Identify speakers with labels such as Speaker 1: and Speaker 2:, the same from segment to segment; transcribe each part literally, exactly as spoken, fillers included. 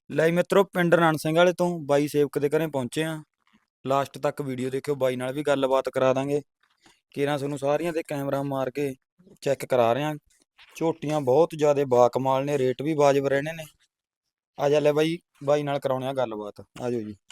Speaker 1: ਲੈ ਮਿੱਤਰੋ ਪਿੰਡ ਰਣ ਸਿੰਘ ਵਾਲੇ ਤੋਂ ਬਾਈ ਸੇਵਕ ਦੇ ਘਰੇ ਪਹੁੰਚੇ ਆ। ਲਾਸਟ ਤੱਕ ਵੀਡੀਓ ਦੇਖਿਓ, ਬਾਈ ਨਾਲ ਵੀ ਗੱਲਬਾਤ ਕਰਾ ਦਾਂਗੇ। ਕੇਰਾਂ ਤੁਹਾਨੂੰ ਸਾਰੀਆਂ ਤੇ ਕੈਮਰਾ ਮਾਰ ਕੇ ਚੈੱਕ ਕਰਾ ਰਹੇ ਆ। ਝੋਟੀਆਂ ਬਹੁਤ ਜ਼ਿਆਦਾ ਬਾਕਮਾਲ ਨੇ, ਰੇਟ ਵੀ ਵਾਜਬ ਰਹਿਣੇ ਨੇ। ਆ ਜਾ ਲੈ ਬਾਈ, ਬਾਈ ਨਾਲ ਕਰਾਉਣੇ ਆ ਗੱਲਬਾਤ। ਆ ਜਾਓ ਜੀ।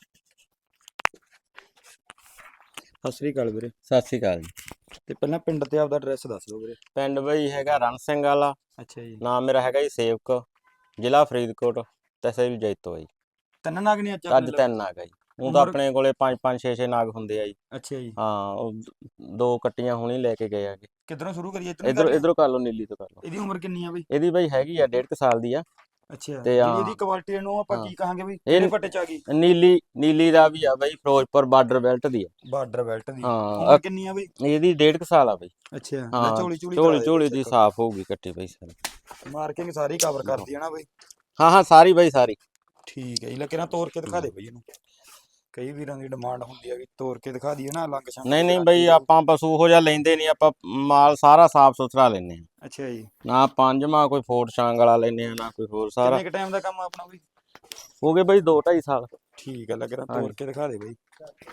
Speaker 1: ਸਤਿ ਸ੍ਰੀ ਅਕਾਲ ਵੀਰੇ।
Speaker 2: ਸਤਿ ਸ਼੍ਰੀ ਅਕਾਲ ਜੀ।
Speaker 1: ਤੇ ਪਹਿਲਾਂ ਪਿੰਡ ਤੇ ਆਪਦਾ ਐਡਰੈਸ ਦੱਸ ਦਿਓ ਵੀਰੇ।
Speaker 2: ਪਿੰਡ ਬਈ ਹੈਗਾ ਰਣ ਸਿੰਘ ਵਾਲਾ।
Speaker 1: ਅੱਛਾ ਜੀ।
Speaker 2: ਨਾਮ ਮੇਰਾ ਹੈਗਾ ਜੀ ਸੇਵਕ, ਜ਼ਿਲ੍ਹਾ ਫਰੀਦਕੋਟ, ਤਹਿਸੀਲ ਜੈਤੋ ਜੀ।
Speaker 1: ਤਿੰਨ ਨਾਗ ਨੇ ਅੱਜ
Speaker 2: ਅੱਜ ਤਿੰਨ ਨਾਗ ਆ ਜੀ। ਉਹ ਤਾਂ ਆਪਣੇ ਕੋਲੇ ਪੰਜ ਪੰਜ ਛੇ ਛੇ ਨਾਗ ਹੁੰਦੇ ਆ ਜੀ।
Speaker 1: ਅੱਛਾ ਜੀ।
Speaker 2: ਹਾਂ, ਉਹ ਦੋ ਕੱਟੀਆਂ ਹੁਣੀ ਲੈ ਕੇ ਗਏ ਆਗੇ।
Speaker 1: ਕਿੱਧਰੋਂ ਸ਼ੁਰੂ ਕਰੀਏ?
Speaker 2: ਇਧਰੋਂ ਇਧਰੋਂ ਕਰ ਲਓ, ਨੀਲੀ ਤੋਂ ਕਰ ਲਓ।
Speaker 1: ਇਹਦੀ ਉਮਰ ਕਿੰਨੀ ਆ ਬਈ?
Speaker 2: ਇਹਦੀ ਬਈ ਹੈਗੀ ਆ ਡੇਢ ਕੁ ਸਾਲ ਦੀ ਆ।
Speaker 1: ਅੱਛਾ,
Speaker 2: ਤੇ
Speaker 1: ਜਿਹੜੀ ਇਹਦੀ
Speaker 2: ਹਾਂ
Speaker 1: ਕੁਆਲਿਟੀ ਨੂੰ ਆਪਾਂ
Speaker 2: ਹਾਂ
Speaker 1: ਕੀ ਕਹਾਂਗੇ ਬਈ?
Speaker 2: ਇਹ
Speaker 1: ਕਿਹੜੇ ਪੱਟੇ ਚ ਆ ਗਈ?
Speaker 2: ਨੀਲੀ ਨੀਲੀ ਦਾ ਵੀ ਆ ਬਈ, ਫਿਰੋਜ਼ਪੁਰ ਬਾਰਡਰ ਬੈਲਟ ਦੀ ਆ।
Speaker 1: ਬਾਰਡਰ ਬੈਲਟ ਦੀ।
Speaker 2: ਹਾਂ,
Speaker 1: ਉਮਰ ਕਿੰਨੀ ਆ ਬਈ?
Speaker 2: ਇਹਦੀ ਡੇਢ ਕੁ ਸਾਲ ਆ ਬਈ।
Speaker 1: ਅੱਛਾ, ਲੈ
Speaker 2: ਹਾਂ,
Speaker 1: ਝੋਲੀ ਝੋਲੀ
Speaker 2: ਝੋਲੀ
Speaker 1: ਕਰਾ
Speaker 2: ਝੋਲੀ
Speaker 1: ਦੇ
Speaker 2: ਦੀ
Speaker 1: ਚੈੱਕ।
Speaker 2: ਸਾਫ਼ ਹੋਊਗੀ ਕੱਟੀ ਬਈ ਸਾਰੀ।
Speaker 1: ਮਾਰਕਿੰਗ ਸਾਰੀ ਕਵਰ ਕਰਦੀ ਹੈ ਨਾ ਬਈ?
Speaker 2: ਹਾਂ ਹਾਂ, ਸਾਰੀ ਬਈ ਸਾਰੀ।
Speaker 1: ਠੀਕ ਹੈ ਜੀ। ਲੈ ਕਿਹਨਾਂ ਤੋੜ ਕੇ ਦਿਖਾ ਦੇ ਬਈ ਇਹਨੂੰ। ਕਈ ਵੀਰਾਂ ਦੀ ਡਿਮਾਂਡ ਹੁੰਦੀ ਹੈ ਵੀ ਤੋੜ ਕੇ ਦਿਖਾ ਦਈਏ ਨਾ, ਲੰਗ ਸ਼ੰਗ
Speaker 2: ਨਹੀਂ
Speaker 1: ਦੀ
Speaker 2: ਨਹੀਂ
Speaker 1: ਗਾਰੰਟੀ
Speaker 2: ਬਈ,
Speaker 1: ਦਿਓ।
Speaker 2: ਆਪਾਂ ਪਸ਼ੂ ਹੋ ਜਾ ਲੈਂਦੇ ਨਹੀਂ, ਆਪਾਂ ਮਾਲ ਸਾਰਾ ਸਾਫ ਸੁਥਰਾ ਲੈਨੇ ਆ।
Speaker 1: ਅੱਛਾ ਜੀ।
Speaker 2: ਨਾ ਪੰਜਵਾਂ ਕੋਈ ਫੋਟ ਛਾਂਗ ਵਾਲਾ ਲੈਨੇ ਆ, ਨਾ ਕੋਈ ਹੋਰ। ਸਾਰਾ
Speaker 1: ਕਿੰਨੇ ਕ ਟਾਈਮ ਦਾ ਕੰਮ ਆ ਆਪਣਾ ਬਈ?
Speaker 2: ਹੋ ਗਏ ਬਈ ਦੋ ਢਾਈ ਸਾਲ।
Speaker 1: ਠੀਕ ਹੈ, ਲੈ ਕਿਹਨਾਂ ਤੋੜ
Speaker 2: ਹਾਂਜੀ।
Speaker 1: ਕੇ ਦਿਖਾ ਦੇ ਬਈ।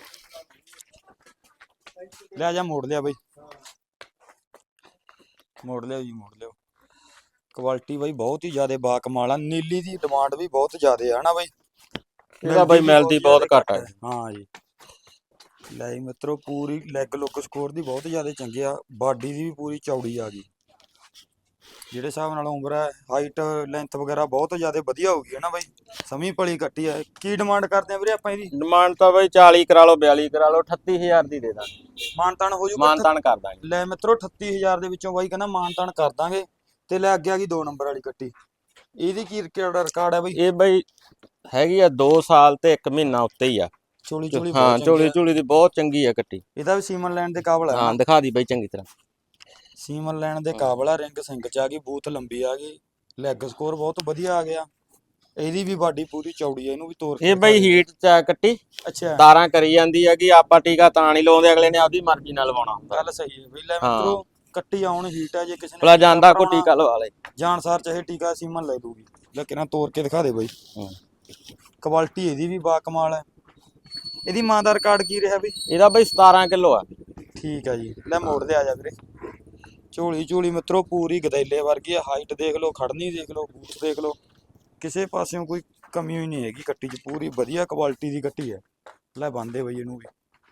Speaker 1: ਲੈ ਜਾ, ਮੋੜ ਲਿਆ ਬਈ, ਮੋੜ ਲਿਆ ਜੀ, ਮੋੜ ਲਿਆ। ਕੁਆਲਿਟੀ ਬਈ ਬਹੁਤ ਹੀ ਜ਼ਿਆਦਾ ਬਾਕਮਾਲ ਆ। ਨੀਲੀ ਦੀ ਡਿਮਾਂਡ ਵੀ ਬਹੁਤ ਜ਼ਿਆਦਾ ਆ ਨਾ ਬਈ?
Speaker 2: ਇਹਦਾ ਬਈ ਮਿਲਦੀ ਬਹੁਤ ਘੱਟ ਆ।
Speaker 1: ਹਾਂ ਜੀ। ਲੈ ਜੀ ਮਿੱਤਰੋ, ਪੂਰੀ ਲੈਗ ਲੁੱਕ ਸਕੋਰ ਦੀ ਬਹੁਤ ਜ਼ਿਆਦਾ ਚੰਗੀ ਆ। ਬਾਡੀ ਦੀ ਵੀ ਪੂਰੀ ਚੌੜੀ ਆ ਗਈ। ਜਿਹੜੇ ਹਿਸਾਬ ਨਾਲ ਉਮਰ ਹੈ, ਹਾਈਟ ਲੈਂਥ ਵਗੈਰਾ ਬਹੁਤ ਜ਼ਿਆਦਾ ਵਧੀਆ ਹੋ ਗਈ ਹੈ ਨਾ ਬਈ? ਸਮੀ ਭਲੀ ਕੱਟੀ ਆ। ਕੀ ਡਿਮਾਂਡ ਕਰਦੇ ਆ ਵੀਰੇ ਆਪਾਂ ਇਹਦੀ?
Speaker 2: ਡਿਮਾਂਡ ਤਾਂ ਬਈ ਚਾਲੀ ਕਰਾ ਲਓ, ਬਿਆਲੀ ਕਰਾ ਲਓ, ਅਠੱਤੀ ਹਜ਼ਾਰ ਦੀ ਦੇ ਦਾਂਗੇ।
Speaker 1: ਮਾਨਤਾਨ ਹੋ ਜੂਗਾ?
Speaker 2: ਮਾਨਤਾਨ ਕਰ ਦਾਂਗੇ।
Speaker 1: ਲੈ ਮਿੱਤਰੋ, ਅਠੱਤੀ ਹਜ਼ਾਰ ਦੇ ਵਿੱਚੋਂ ਬਾਈ ਕਹਿੰਦਾ ਮਾਨਤਾਨ ਕਰ ਦਾਂਗੇ। ਤੇ ਲੈ ਅੱਗੇ ਆ ਗਈ ਦੋ ਨੰਬਰ ਵਾਲੀ ਕੱਟੀ। ਇਹਦੀ ਕੀ ਰਿਕਾਰਡ ਹੈ ਬਈ?
Speaker 2: ਇਹ ਬਈ ਹੈਗੀ ਆ ਦੋ ਸਾਲ ਤੇ ਇੱਕ ਮਹੀਨਾ ਉੱਤੇ ਹੀ ਆ।
Speaker 1: ਚੋਲੀ ਚੋਲੀ
Speaker 2: ਹਾਂ,
Speaker 1: ਬਹੁਤ ਚੰਗੀ
Speaker 2: ਚੋਲੀ
Speaker 1: ਆ।
Speaker 2: ਚੋਲੀ ਦੀ ਬਹੁਤ ਚੰਗੀ ਆ ਕੱਟੀ।
Speaker 1: ਇਹਦਾ ਵੀ ਸੀਮਨ ਲੈਣ ਦੇ ਕਾਬਲ ਹੈ
Speaker 2: ਹਾਂ,
Speaker 1: ਨਾ?
Speaker 2: ਦਿਖਾ ਦੀ ਬਈ ਚੰਗੀ ਤਰ੍ਹਾਂ।
Speaker 1: ਸੀਮਨ ਲੈਣ ਦੇ ਕਾਬਲ ਆ। ਰਿੰਗ ਸਿੰਘ ਚ ਆ ਗਈ, ਬੂਥ ਲੰਬੀ ਆ ਗਈ, ਲੈਗ ਸਕੋਰ ਬਹੁਤ ਵਧੀਆ ਆ ਗਿਆ। ਇਹਦੀ ਵੀ ਬਾਡੀ ਪੂਰੀ ਚੌੜੀ ਆ। ਇਹਨੂੰ ਵੀ ਤੋੜ ਕੇ
Speaker 2: ਇਹ ਬਈ ਹੀਟ ਚ ਆ ਕੱਟੀ।
Speaker 1: ਅੱਛਾ,
Speaker 2: ਤਾਰਾਂ ਕਰੀ ਜਾਂਦੀ ਆ ਕਿ ਆਪਾਂ ਟੀਕਾ ਤਾਂ ਨਹੀਂ ਲਾਉਂਦੇ, ਅਗਲੇ ਨੇ ਆਪਦੀ ਮਰਜ਼ੀ ਨਾਲ ਲਵਾਉਣਾ ਹੁੰਦਾ।
Speaker 1: ਗੱਲ ਸਹੀ ਹੈ ਬਈ। ਲੈ
Speaker 2: ਹਾਂ,
Speaker 1: ਮਿੱਤਰੋ, ਕੱਟੀ ਆਉਣ ਹੀਟ ਆ। ਜੇ ਕਿਸੇ ਨੇ
Speaker 2: ਭਲਾ
Speaker 1: ਟੀਕਾ
Speaker 2: ਜਾਂਦਾ ਕੋ
Speaker 1: ਭਰਾਉਣਾ,
Speaker 2: ਟੀਕਾ ਲਵਾ ਲੈ।
Speaker 1: ਜਾਨਸਾਰ ਚਾਹੇ ਟੀਕਾ ਸੀਮਨ ਲੈ ਲੂਗੀ। ਲੈ ਕਿਹਨਾਂ ਤੋੜ ਕੇ ਦਿਖਾ ਦੇ ਬਈ। ਕੁਆਲਿਟੀ ਇਹਦੀ ਵੀ ਬਾਕਮਾਲ ਹੈ। ਇਹਦੀ ਮਾਂ ਦਾ ਰਿਕਾਰਡ ਕੀ ਰਿਹਾ ਬਈ?
Speaker 2: ਇਹਦਾ ਬਈ ਸਤਾਰਾਂ ਕਿਲੋ ਆ।
Speaker 1: ਠੀਕ ਆ ਜੀ। ਲੈ ਮੋੜ ਦੇ ਆ ਜਾ ਵੀਰੇ। ਝੋਲੀ ਝੋਲੀ ਮਿੱਤਰੋ ਪੂਰੀ ਗਦੈਲੇ ਵਰਗੀ ਆ। ਹਾਈਟ ਦੇਖ ਲਓ, ਖੜਨੀ ਦੇਖ ਲਓ, ਬੂਥ ਦੇਖ ਲਓ, ਕਿਸੇ ਪਾਸਿਓਂ ਕੋਈ ਕਮੀ ਹੋਈ ਨਹੀਂ ਹੈਗੀ ਕੱਟੀ 'ਚ। ਪੂਰੀ ਵਧੀਆ ਕੁਆਲਿਟੀ ਦੀ ਕੱਟੀ ਹੈ। ਲੈ ਬੰਦੇ ਬਈ ਇਹਨੂੰ ਵੀ।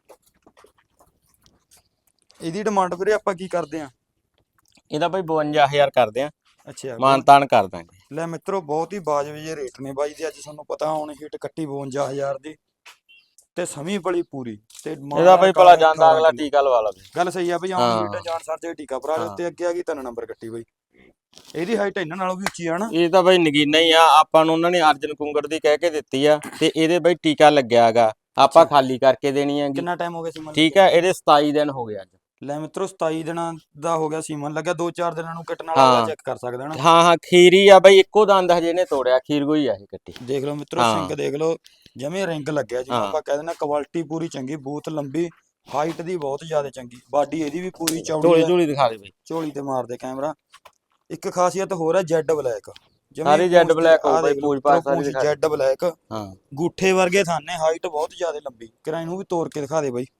Speaker 1: ਇਹਦੀ ਡਿਮਾਂਡ ਵੀਰੇ ਆਪਾਂ ਕੀ ਕਰਦੇ ਆ?
Speaker 2: ਇਹਦਾ ਬਈ ਬਵੰਜਾ ਹਜ਼ਾਰ ਕਰਦੇ ਆ।
Speaker 1: ਅੱਛਾ,
Speaker 2: ਮਾਨਤਾਨ ਕਰ ਦਾਂਗੇ।
Speaker 1: ਲੈ ਮਿੱਤਰੋ, ਬਹੁਤ ਹੀ ਵਾਜਬ ਜਿਹੇ ਰੇਟ ਨੇ ਬਾਈ ਦੇ। ਅੱਜ ਤੁਹਾਨੂੰ ਪਤਾ ਹੁਣ ਹੀਟ ਕੱਟੀ ਬਵੰਜਾ ਹਜ਼ਾਰ ਦੀ ਤੇ ਸਮੀ ਭਲੀ ਪੂਰੀ। ਤੇ
Speaker 2: ਇਹਦਾ ਬਈ ਭਲਾ ਜਾਂਦਾ ਅਗਲਾ ਟੀਕਾ ਲਵਾ ਲਵੇ।
Speaker 1: ਗੱਲ ਸਹੀ ਆ ਬਈ। ਆਉਣ ਹੀਟ ਜਾਣ ਸਰ ਜੇ ਟੀਕਾ ਭਰਾ ਲਿਓ।
Speaker 2: ਹਾਂ।
Speaker 1: ਤੇ ਅੱਗੇ ਆ ਗਈ ਤਿੰਨ ਨੰਬਰ ਕੱਟੀ ਬਈ। ਇਹਦੀ ਹਾਈਟ ਇਹਨਾਂ ਨਾਲੋਂ ਵੀ ਉੱਚੀ ਆ ਨਾ?
Speaker 2: ਇਹ ਤਾਂ ਬਈ ਨਗੀਨਾ ਹੀ ਆ। ਆਪਾਂ ਨੂੰ ਉਹਨਾਂ ਨੇ ਅਰਜਨ ਕੁੰਗੜ ਦੀ ਕਹਿ ਕੇ ਦਿੱਤੀ ਆ, ਤੇ ਇਹਦੇ ਬਈ ਟੀਕਾ ਲੱਗਿਆ ਹੈਗਾ। ਆਪਾਂ ਖਾਲੀ ਕਰਕੇ ਦੇਣੀ ਹੈਗੀ।
Speaker 1: ਕਿੰਨਾ ਟਾਈਮ ਹੋ ਗਿਆ ਸੀਮਨ?
Speaker 2: ਠੀਕ ਹੈ, ਇਹਦੇ ਸਤਾਈ ਦਿਨ ਹੋ ਗਏ ਅੱਜ।
Speaker 1: ਲੈ ਮਿੱਤਰੋ, ਸਤਾਈ ਦਿਨਾਂ ਦਾ ਹੋ ਗਿਆ ਸੀਮਨ ਲੱਗਿਆ। ਦੋ ਚਾਰ ਦਿਨਾਂ ਨੂੰ ਕੱਟਣ ਵਾਲਾ ਅਗਲਾ ਚੈੱਕ ਕਰ ਸਕਦਾ ਨਾ?
Speaker 2: ਹਾਂ ਹਾਂ, ਖੀਰੀ ਆ ਬਈ। ਇੱਕੋ ਦੰਦ ਹਜੇ ਇਹਨੇ ਤੋੜਿਆ, ਖੀਰ ਗੋਈ ਆ ਇਹ ਕੱਟੀ।
Speaker 1: ਦੇਖ ਲਓ ਮਿੱਤਰੋ, ਸਿੰਘ ਦੇਖ ਲਓ, ਜਮੇ ਰਿੰਗ ਲੱਗਿਆ ਜਿਹਨੂੰ ਆਪਾਂ ਕਹਿ ਦਿੰਦੇ। ਕੁਆਲਿਟੀ ਪੂਰੀ ਚੰਗੀ, ਬੂਥ ਲੰਬੀ, ਹਾਈਟ ਦੀ ਬਹੁਤ ਜ਼ਿਆਦਾ ਚੰਗੀ, ਬਾਡੀ ਇਹਦੀ ਵੀ ਪੂਰੀ ਚੌੜੀ
Speaker 2: ਝੋਲੀ
Speaker 1: ਆ।
Speaker 2: ਝੋਲੀ ਦਿਖਾ ਦੇ ਬਈ।
Speaker 1: ਝੋਲੀ ਤੇ ਮਾਰਦੇ ਕੈਮਰਾ। ਇੱਕ ਖਾਸੀਅਤ ਹੋਰ ਹੈ, ਜੈਡ ਬਲੈਕ।
Speaker 2: ਸਾਰੀ ਜੈਡ ਬਲੈਕ ਹੋ ਬਈ, ਪੂਛ ਪਾਛ ਸਾਰੀ ਦਿਖਾ ਦੇ।
Speaker 1: ਜੈਡ ਬਲੈਕ,
Speaker 2: ਹਾਂ,
Speaker 1: ਗੂਠੇ ਵਰਗੇ ਥਾਨੇ, ਹਾਈਟ ਬਹੁਤ ਜ਼ਿਆਦਾ ਲੰਬੀ। ਕਿਰਾਂ ਇਹਨੂੰ ਵੀ ਤੋੜ ਕੇ ਦਿਖਾ ਦੇ ਬਈ।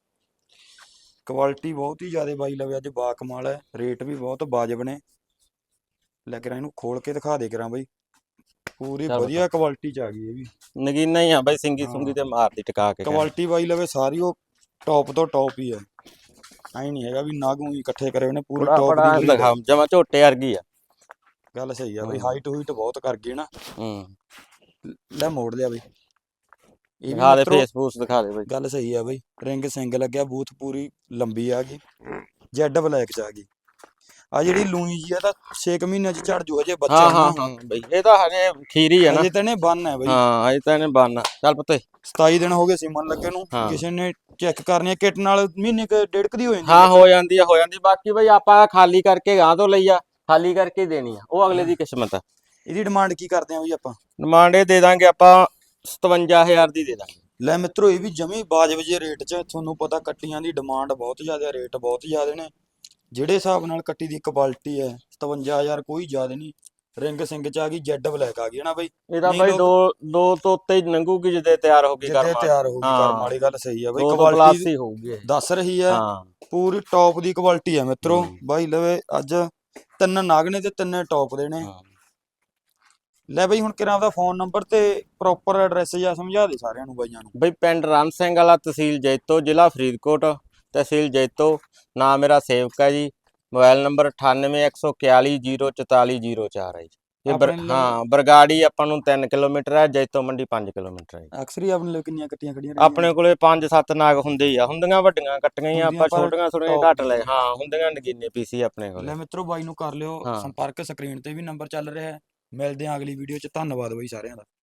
Speaker 1: ਕੁਆਲਿਟੀ ਬਹੁਤ ਹੀ ਜ਼ਿਆਦਾ ਬਾਈ ਲਵੇ ਅੱਜ ਬਾਕਮਾਲ ਹੈ। ਰੇਟ ਵੀ ਬਹੁਤ ਵਾਜਬ ਨੇ। ਲੈ ਕਿਰਾਂ ਇਹਨੂੰ ਖੋਲ ਕੇ ਦਿਖਾ ਦੇ ਕਿਰਾਂ ਬਈ। ਪੂਰੀ ਵਧੀਆ ਕੁਆਲਿਟੀ ਚ ਆ ਗਈ ਇਹ ਵੀ।
Speaker 2: ਨਗੀਨਾ ਹੀ ਆ ਬਈ, ਸਿੰਗੀ ਸੁੰਗੀ ਤੇ ਮਾਰਦੀ ਟਿਕਾ ਕੇ।
Speaker 1: ਕੁਆਲਿਟੀ ਬਾਈ ਲਵੇ ਸਾਰੀ ਉਹ ਟੌਪ ਤੋਂ ਟੌਪ ਹੀ ਹੈ। ਐ ਨਹੀਂ ਹੈਗਾ ਵੀ ਨਾਗੂ ਹੀ ਇਕੱਠੇ ਕਰੇ ਉਹਨੇ, ਪੂਰੀ ਟੌਪ ਦੀ
Speaker 2: ਦਿਖਾ, ਜਮਾ ਝੋਟੇ ਵਰਗੀ ਆ।
Speaker 1: ਗੱਲ ਸਹੀ ਆ ਬਈ। ਹਾਈਟ ਹੂਈਟ ਬਹੁਤ ਕਰ ਗਈ ਨਾ?
Speaker 2: ਹੂੰ।
Speaker 1: ਲੈ ਮੋੜ ਲਿਆ ਬਈ। ਇਹ
Speaker 2: ਦਿਖਾ ਦੇ, ਫੇਸਬੁੱਕ ਦਿਖਾ ਦੇ ਬਈ।
Speaker 1: ਗੱਲ ਸਹੀ ਆ ਬਈ। ਰਿੰਗ ਸਿੰਘ ਲੱਗਿਆ, ਬੂਥ ਪੂਰੀ ਲੰਬੀ ਆ ਗਈ, ਜੈਡ ਬਲੈਕ ਚ ਆ ਗਈ। ਆ ਜਿਹੜੀ ਲੂਈ ਜੀ ਆ ਤਾਂ ਛੇ ਕੁ ਮਹੀਨਿਆਂ ਚ ਝੜ ਜੂ ਹਜੇ ਬੱਚਾ।
Speaker 2: ਹਾਂ ਹਾਂ ਹਾਂ ਬਈ, ਇਹ ਤਾਂ ਹਜੇ ਖੀਰੀ ਆ ਨਾ?
Speaker 1: ਹਜੇ ਤਾਂ ਇਹਨੇ ਬੰਨ ਹੈ ਬਈ।
Speaker 2: ਹਾਂ, ਹਜੇ ਤਾਂ ਇਹਨੇ ਬੰਨ। ਚੱਲ ਪੁੱਤੇ,
Speaker 1: ਸਤਾਈ ਦਿਨ ਹੋ ਗਏ ਸੀਮਨ ਲੱਗੇ ਨੂੰ। ਕਿਸੇ ਨੇ ਚੈੱਕ ਕਰਨੀ ਹੈ ਕਿਟ ਨਾਲ, ਮਹੀਨੇ ਕ ਡੇਢ ਕ ਦੀ ਹੋ ਜਾਂਦੀ।
Speaker 2: ਹਾਂ, ਹੋ ਜਾਂਦੀ ਆ, ਹੋ ਜਾਂਦੀ। ਬਾਕੀ ਬਈ ਆਪਾਂ ਖਾਲੀ ਕਰਕੇ ਗਾਂ ਤੋਂ ਲਈ ਆ, ਖਾਲੀ ਕਰਕੇ ਦੇਣੀ ਆ, ਉਹ ਅਗਲੇ ਦੀ ਕਿਸਮਤ ਆ।
Speaker 1: ਇਹਦੀ ਡਿਮਾਂਡ ਕੀ ਕਰਦੇ ਆ ਬਈ ਆਪਾਂ?
Speaker 2: ਡਿਮਾਂਡ ਇਹ ਦੇ ਦਾਂਗੇ ਆਪਾਂ ਸਤਵੰਜਾ ਹਜ਼ਾਰ ਦੀ ਦੇ ਦਾਂਗੇ।
Speaker 1: ਲੈ ਮਿੱਤਰੋ, ਇਹ ਵੀ ਜਮੀ ਬਾਜਬ ਜੇ ਰੇਟ 'ਚ। ਤੁਹਾਨੂੰ ਪਤਾ ਕੱਟੀਆਂ ਦੀ ਡਿਮਾਂਡ ਬਹੁਤ ਜ਼ਿਆਦਾ, ਰੇਟ ਬਹੁਤ ਜ਼ਿਆਦਾ ਨੇ। ਜਿਹੜੇ ਹਿਸਾਬ ਨਾਲ ਕੱਟੀ ਦੀ ਕੁਆਲਿਟੀ ਹੈ, ਸਤਵੰਜਾ ਹਜ਼ਾਰ ਕੋਈ ਜ਼ਿਆਦਾ ਨਹੀਂ। ਰਿੰਗ ਸਿੰਘ ਚ ਆ ਗਈ, ਜੈਡ ਬਲੈਕ ਆ ਗਈ ਹੈ ਨਾ ਬਈ।
Speaker 2: ਇਹਦਾ
Speaker 1: ਨਹੀਂ
Speaker 2: ਬਾਈ
Speaker 1: ਲੋਕ
Speaker 2: ਦੋ ਦੋ ਤੋਂ ਉੱਤੇ ਹੀ ਲੰਘੂਗੀ ਜਿੱਦੇ ਤਿਆਰ ਹੋ ਗਈ
Speaker 1: ਜਿੱਦੇ
Speaker 2: ਕਰਮ
Speaker 1: ਤਿਆਰ ਹੋ ਗਈ ਕਰਮ
Speaker 2: ਹਾਂ
Speaker 1: ਵਾਲੀ ਗੱਲ ਸਹੀ ਆ ਬਈ।
Speaker 2: ਦੋ ਤੋਂ ਪਲੱਸ
Speaker 1: ਕੁਆਲਿਟੀ
Speaker 2: ਹੀ ਹੋਊਗੀ ਇਹ।
Speaker 1: ਦੱਸ ਰਹੀ ਹੈ,
Speaker 2: ਹਾਂ
Speaker 1: ਪੂਰੀ ਟੌਪ ਦੀ ਕੁਆਲਿਟੀ ਆ ਮਿੱਤਰੋ।
Speaker 2: ਹੂੰ।
Speaker 1: ਬਾਈ ਲਵੇ ਅੱਜ ਤਿੰਨ ਨਾਗ ਨੇ ਤੇ ਤਿੰਨੇ ਟੌਪ ਦੇ ਨੇ।
Speaker 2: ਹਾਂ।
Speaker 1: ਲੈ ਬਈ ਹੁਣ ਕਿਰਾਂ ਦਾ ਫੋਨ ਨੰਬਰ ਤੇ ਪ੍ਰੋਪਰ ਐਡਰੈਸ ਜਾਂ ਸਮਝਾ ਦੇ ਸਾਰਿਆਂ ਨੂੰ ਬਾਈਆਂ ਨੂੰ।
Speaker 2: ਬਈ ਪਿੰਡ ਰਣ ਸਿੰਘ ਵਾਲਾ, ਤਹਿਸੀਲ ਜੈਤੋ, ਜ਼ਿਲ੍ਹਾ ਫਰੀਦਕੋਟ, ਤਹਿਸੀਲ ਜੈਤੋ। ਨਾਮ ਮੇਰਾ ਸੇਵਕ ਹੈ ਜੀ। ਮੋਬਾਈਲ ਨੰਬਰ ਅਠਾਨਵੇਂ ਇੱਕ ਸੌ ਇਕਤਾਲੀ ਜ਼ੀਰੋ ਚੁਤਾਲੀ ਜ਼ੀਰੋ ਚਾਰ ਹੈ ਜੀ। ਇਹ ਬਰ
Speaker 1: ਆਪਣੇ ਲਈ
Speaker 2: ਹਾਂ ਬਰਗਾੜੀ ਆਪਾਂ ਨੂੰ ਤਿੰਨ ਕਿਲੋਮੀਟਰ ਹੈ, ਜੈਤੋ ਮੰਡੀ ਪੰਜ ਕਿਲੋਮੀਟਰ ਹੈ ਜੀ।
Speaker 1: ਅਕਸਰ ਹੀ ਆਪਣੇ ਲਈ ਕਿੰਨੀਆਂ ਕੱਟੀਆਂ ਖੜੀਆਂ ਰਹਿੰਦੀਆਂ
Speaker 2: ਆਪਣੇ ਕੋਲੇ ਪੰਜ ਸੱਤ ਨਾਗ ਹੁੰਦੇ ਹੀ ਆ, ਹੁੰਦੀਆਂ ਵੱਡੀਆਂ ਕੱਟੀਆਂ ਹੀ ਆ,
Speaker 1: ਹੁੰਦੀਆਂ
Speaker 2: ਆਪਾਂ
Speaker 1: ਪਰ
Speaker 2: ਛੋਟੀਆਂ ਥੋੜੀਆਂ
Speaker 1: top
Speaker 2: ਘੱਟ ਲੈ।
Speaker 1: ਦੀਆਂ।
Speaker 2: ਹਾਂ ਹੁੰਦੀਆਂ ਨਗੀਨੇ ਪੀਸੀ ਆਪਣੇ
Speaker 1: ਲੈ
Speaker 2: ਕੋਲੇ।
Speaker 1: ਮਿੱਤਰੋ ਬਾਈ ਨੂੰ ਕਰ ਲਿਓ
Speaker 2: ਹਾਂ।
Speaker 1: ਸੰਪਰਕ, ਸਕਰੀਨ ਤੇ ਵੀ ਨੰਬਰ ਚੱਲ ਰਿਹਾ ਹੈ। ਮਿਲਦੇ ਹਾਂ ਅਗਲੀ ਵੀਡੀਓ 'ਚ। ਧੰਨਵਾਦ ਬਾਈ ਸਾਰਿਆਂ ਦਾ।